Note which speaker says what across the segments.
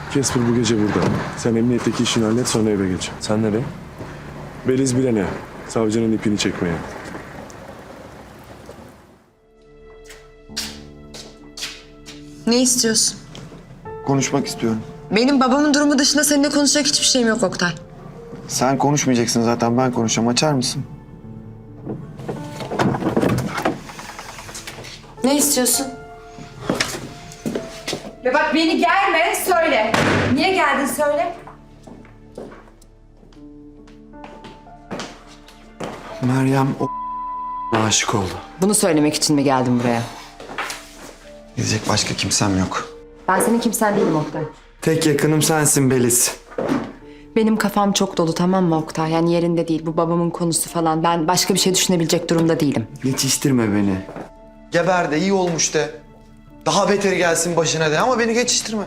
Speaker 1: Casper bu gece burada. Sen emniyetteki işini hallet, sonra eve geç.
Speaker 2: Sen nereye?
Speaker 1: Beliz bilene. Savcının ipini çekmeye.
Speaker 3: Ne istiyorsun?
Speaker 4: Konuşmak istiyorum.
Speaker 3: Benim babamın durumu dışında seninle konuşacak hiçbir şeyim yok Oktay.
Speaker 4: Sen konuşmayacaksın zaten, ben konuşacağım. Açar mısın?
Speaker 3: Ne istiyorsun?
Speaker 5: Ve bak beni gelme, söyle. Niye geldin söyle.
Speaker 4: Meryem o aşık oldu.
Speaker 3: Bunu söylemek için mi geldin buraya?
Speaker 4: Gidecek başka kimsem yok.
Speaker 3: Ben senin kimsen değilim Oktay.
Speaker 4: Tek yakınım sensin Beliz.
Speaker 3: Benim kafam çok dolu, tamam mı Oktay? Yani yerinde değil. Bu babamın konusu falan. Ben başka bir şey düşünebilecek durumda değilim.
Speaker 4: Geçiştirme beni. Geber de, iyi olmuş de. Daha beteri gelsin başına de, ama beni geçiştirme.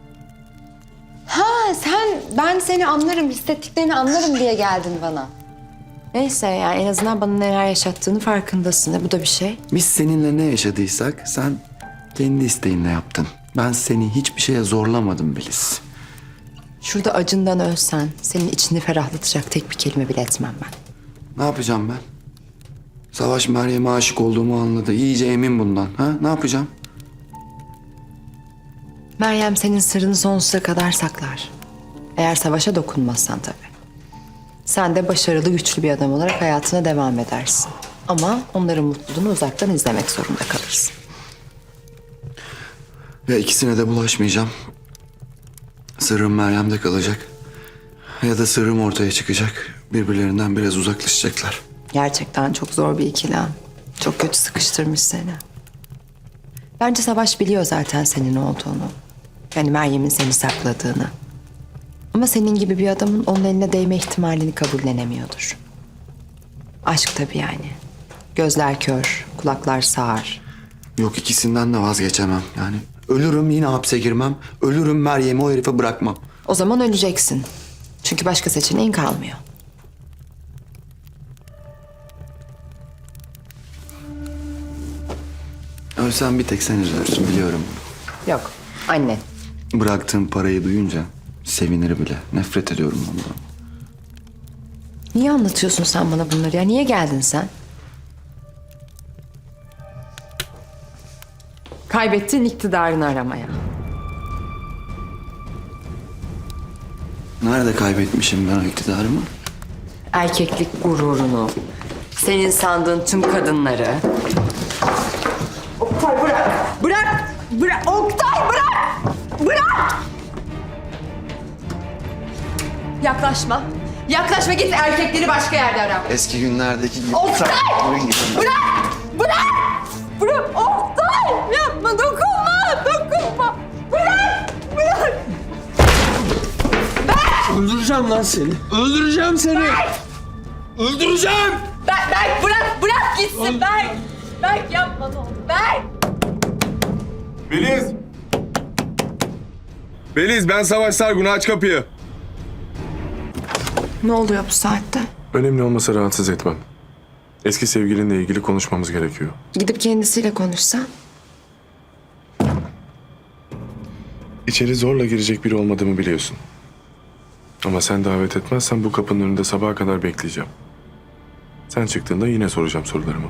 Speaker 3: Ha ben seni anlarım, hissettiklerini anlarım diye geldin bana. Neyse yani en azından bana neler yaşattığını farkındasın. Bu da bir şey.
Speaker 4: Biz seninle ne yaşadıysak sen kendi isteğinle yaptın. Ben seni hiçbir şeye zorlamadım Beliz.
Speaker 3: Şurada acından ölsen senin içini ferahlatacak tek bir kelime bile etmem ben.
Speaker 4: Ne yapacağım ben? Savaş Meryem'e aşık olduğumu anladı. İyice emin bundan. Ha? Ne yapacağım?
Speaker 3: Meryem senin sırrını sonsuza kadar saklar. Eğer savaşa dokunmazsan tabii. Sen de başarılı, güçlü bir adam olarak hayatına devam edersin. Ama onların mutluluğunu uzaktan izlemek zorunda kalırsın.
Speaker 4: Ya ikisine de bulaşmayacağım. Sırrım Meryem'de kalacak. Ya da sırrım ortaya çıkacak. Birbirlerinden biraz uzaklaşacaklar.
Speaker 3: Gerçekten çok zor bir ikilem. Çok kötü sıkıştırmış seni. Bence Savaş biliyor zaten senin ne olduğunu. Yani Meryem'in seni sakladığını. Ama senin gibi bir adamın onun eline değme ihtimalini kabullenemiyordur. Aşk tabii yani. Gözler kör, kulaklar sağır.
Speaker 4: Yok, ikisinden de vazgeçemem. Yani ölürüm yine hapse girmem. Ölürüm Meryem'i o herife bırakmam.
Speaker 3: O zaman öleceksin. Çünkü başka seçeneğin kalmıyor.
Speaker 4: Ölsem bir tek sen üzülürsün, biliyorum.
Speaker 3: Yok, annen.
Speaker 4: Bıraktığım parayı duyunca sevinir bile. Nefret ediyorum ondan.
Speaker 3: Niye anlatıyorsun sen bana bunları ya? Niye geldin sen? Kaybettiğin iktidarını aramaya.
Speaker 4: Nerede kaybetmişim ben o iktidarımı?
Speaker 3: Erkeklik gururunu, senin sandığın tüm kadınları. Oktay bırak! Bırak! Bırak! Oktay bırak! Bırak! Yaklaşma. Yaklaşma, git erkekleri başka yerde ara.
Speaker 4: Eski günlerdeki gibi.
Speaker 3: Oktay! Bırak! Bırak! Bırak! Oktay! Yapma, dokunma! Dokunma! Bırak! Bırak!
Speaker 2: Öldüreceğim lan seni. Öldüreceğim seni. Öldüreceğim.
Speaker 5: Berk bırak, bırak gitsin Berk. Berk yapma ne olur. Berk.
Speaker 1: Beliz! Beliz, ben Savaş Sargun. Aç kapıyı.
Speaker 3: Ne oluyor bu saatte?
Speaker 1: Önemli olmasa rahatsız etmem. Eski sevgilinle ilgili konuşmamız gerekiyor.
Speaker 3: Gidip kendisiyle konuşsan.
Speaker 1: İçeri zorla girecek biri olmadığımı biliyorsun. Ama sen davet etmezsen bu kapının önünde sabaha kadar bekleyeceğim. Sen çıktığında yine soracağım sorularımı.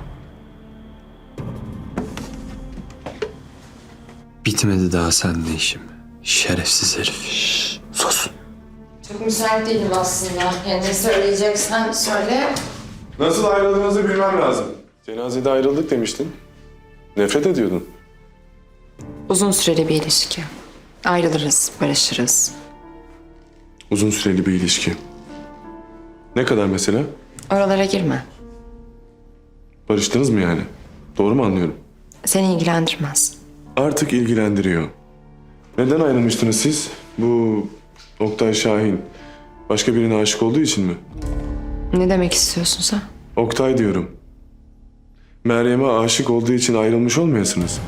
Speaker 2: Bitmedi daha seninle işim. Şerefsiz herif. Sus.
Speaker 3: Çok müsait değilim aslında. Yani ne söyleyeceksen söyle.
Speaker 1: Nasıl ayrıldığınızı bilmem lazım. Cenazede ayrıldık demiştin. Nefret ediyordun.
Speaker 3: Uzun süreli bir ilişki. Ayrılırız, barışırız.
Speaker 1: Uzun süreli bir ilişki. Ne kadar mesela?
Speaker 3: Oralara girme.
Speaker 1: Barıştınız mı yani? Doğru mu anlıyorum?
Speaker 3: Seni ilgilendirmez.
Speaker 1: Artık ilgilendiriyor. Neden ayrılmıştınız siz? Bu Oktay Şahin başka birine aşık olduğu için mi?
Speaker 3: Ne demek istiyorsun sen?
Speaker 1: Oktay diyorum. Meryem'e aşık olduğu için ayrılmış olmayasınız.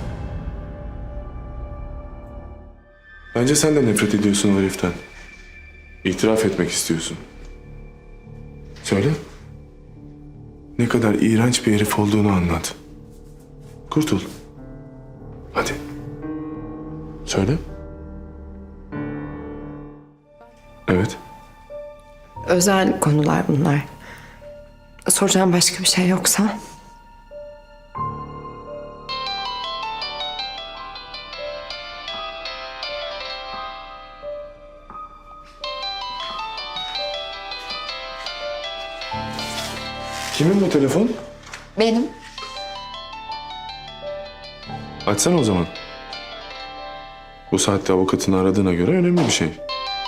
Speaker 1: Bence sen de nefret ediyorsun o heriften. İtiraf etmek istiyorsun. Söyle. Ne kadar iğrenç bir herif olduğunu anlat. Kurtul. Hadi. Söyle. Evet.
Speaker 3: Özel konular bunlar. Soracağım başka bir şey yoksa.
Speaker 1: Kimin bu telefon?
Speaker 3: Benim.
Speaker 1: Açsana o zaman. Bu saatte avukatını aradığına göre önemli bir şey.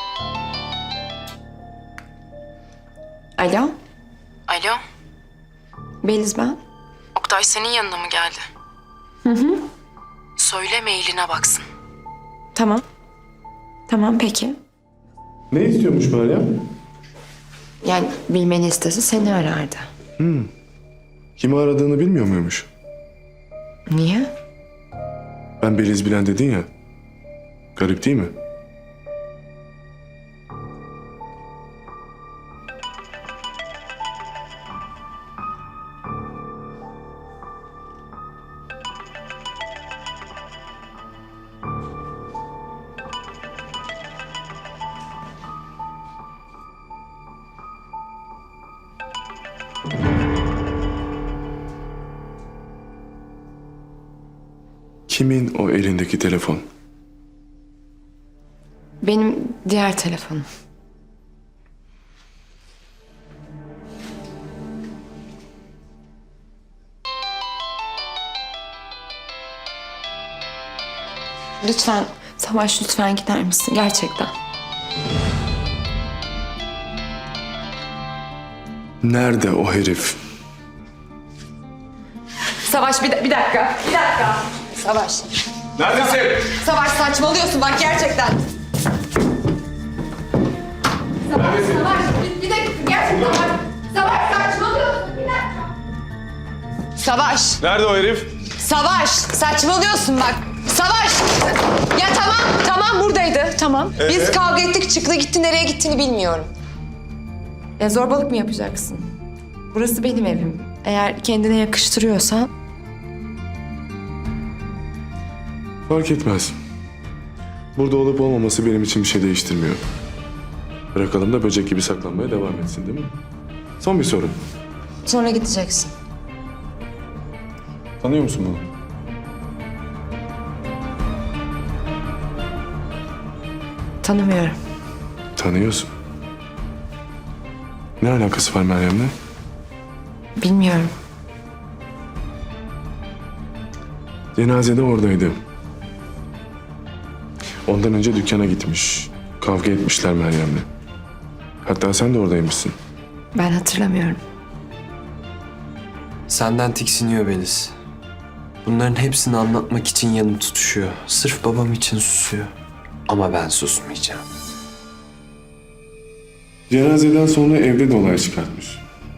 Speaker 3: Alo,
Speaker 6: Alo,
Speaker 3: Beliz ben.
Speaker 6: Oktay senin yanına mı geldi? Söyle mailine baksın.
Speaker 3: Tamam. Tamam peki.
Speaker 1: Ne istiyormuş Meryem?
Speaker 3: Yani bilmeni istese seni arardı.
Speaker 1: Kimi aradığını bilmiyor muymuş?
Speaker 3: Niye?
Speaker 1: Ben Beliz Bilen dedin ya. Garip değil mi? Kimin o elindeki telefon?
Speaker 3: Benim diğer telefonum. Lütfen Savaş, lütfen gider misin gerçekten?
Speaker 1: Nerede o herif?
Speaker 5: Savaş bir dakika. Bir dakika. Savaş.
Speaker 1: Neredesin?
Speaker 5: Savaş saçmalıyorsun bak gerçekten. Savaş bir dakika gerçekten bak. Savaş saçmalıyorsun bir dakika. Savaş.
Speaker 1: Nerede o herif?
Speaker 5: Savaş saçmalıyorsun bak. Savaş. Ya tamam buradaydı tamam. Biz kavga ettik çıktı gitti nereye gittiğini bilmiyorum.
Speaker 3: Ya zorbalık mı yapacaksın? Burası benim evim. Eğer kendine yakıştırıyorsan
Speaker 1: Fark etmez. Burada olup olmaması benim için bir şey değiştirmiyor. Bırakalım da böcek gibi saklanmaya devam etsin değil mi? Son bir soru.
Speaker 3: sonra gideceksin.
Speaker 1: Tanıyor musun bunu?
Speaker 3: Tanımıyorum.
Speaker 1: Tanıyorsun. Ne alakası var Meryem'le?
Speaker 3: Bilmiyorum.
Speaker 1: Cenazede oradaydı. Ondan önce dükkana gitmiş. Kavga etmişler Meryem'le. Hatta sen de oradaymışsın.
Speaker 3: Ben hatırlamıyorum.
Speaker 2: Senden tiksiniyor Beliz. Bunların hepsini anlatmak için yanım tutuşuyor. Sırf babam için susuyor. Ama ben susmayacağım.
Speaker 1: Cenazeden sonra evde de olay çıkartmış.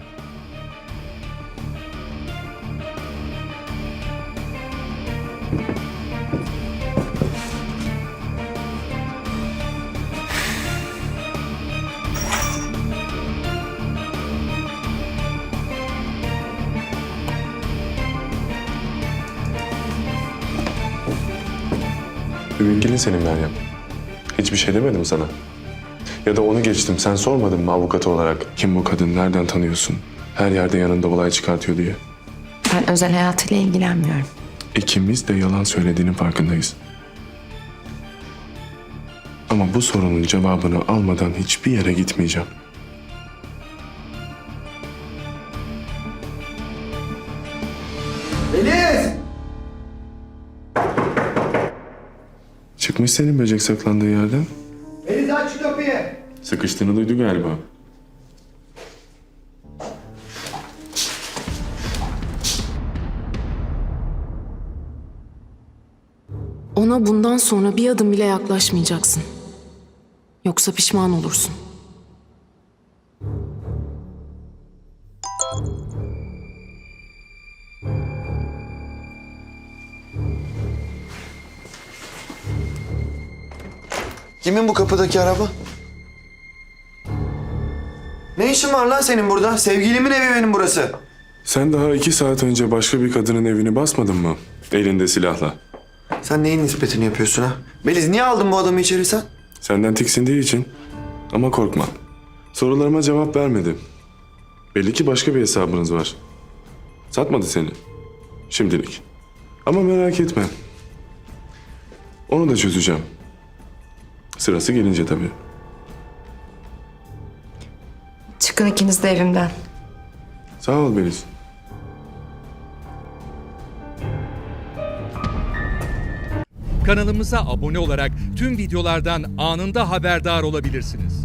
Speaker 1: Müvekkilin senin Meryem. Hiçbir şey demedim sana. Ya da onu geçtim. Sen sormadın mı avukatı olarak? Kim bu kadın? Nereden tanıyorsun? Her yerde yanında olay çıkartıyor diye.
Speaker 3: Ben özel hayatıyla ilgilenmiyorum.
Speaker 1: İkimiz de yalan söylediğinin farkındayız. Ama bu sorunun cevabını almadan hiçbir yere gitmeyeceğim.
Speaker 4: Beliz!
Speaker 1: Çıkmış senin böcek saklandığı yerden.
Speaker 4: Beliz aç şu kapıyı!
Speaker 1: Sıkıştığını duydu galiba.
Speaker 7: Ona bundan sonra bir adım bile yaklaşmayacaksın. Yoksa pişman olursun.
Speaker 4: Kimin bu kapıdaki araba? Ne işin var lan senin burada? Sevgilimin evi benim burası.
Speaker 1: Sen daha 2 saat önce başka bir kadının evini basmadın mı? Elinde silahla.
Speaker 4: Sen neyin nispetini yapıyorsun ha? Beliz niye aldın bu adamı içeri sen?
Speaker 1: Senden tiksindiği için. Ama korkma. Sorularıma cevap vermedi. Belli ki başka bir hesabınız var. Satmadı seni. Şimdilik. Ama merak etme. Onu da çözeceğim. Sırası gelince tabii.
Speaker 3: Çıkın ikiniz de evimden.
Speaker 1: Sağ ol Beliz.
Speaker 8: Kanalımıza abone olarak tüm videolardan anında haberdar olabilirsiniz.